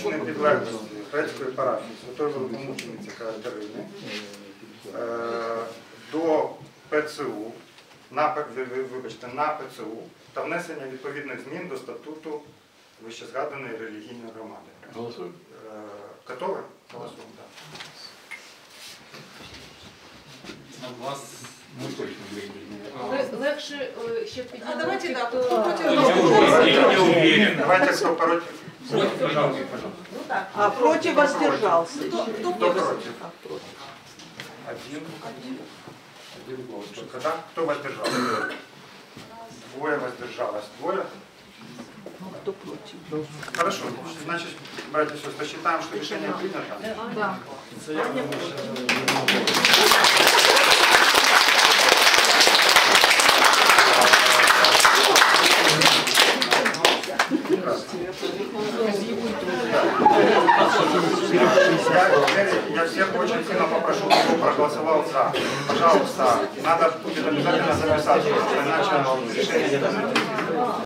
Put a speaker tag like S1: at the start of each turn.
S1: непідлеглості грецької парафії Святої Великомучениці Катерини до ПЦУ, на ПЦУ та внесення відповідних змін до статуту вищезгаданої релігійної громади.
S2: Голосуємо.
S1: Готові? Голосуємо, так.
S3: Легше ще підняти.
S4: А давайте, да,
S3: хто-
S4: кто против?
S2: Не уверен.
S1: Давайте, кто против.
S2: Пожалуйста.
S4: Ну так.
S5: А против воздержался.
S4: Кто
S1: Кто
S4: против?
S1: против? Один. Один голос. Когда? Кто воздержался? Двое воздержалось. Двое?
S5: Кто против?
S1: Хорошо. Значит, братья и сестры, считаем, что решение принято.
S3: Да.
S1: Я всех очень сильно попрошу, кто проголосовал за. Пожалуйста, надо будет обязательно записаться, иначе решение не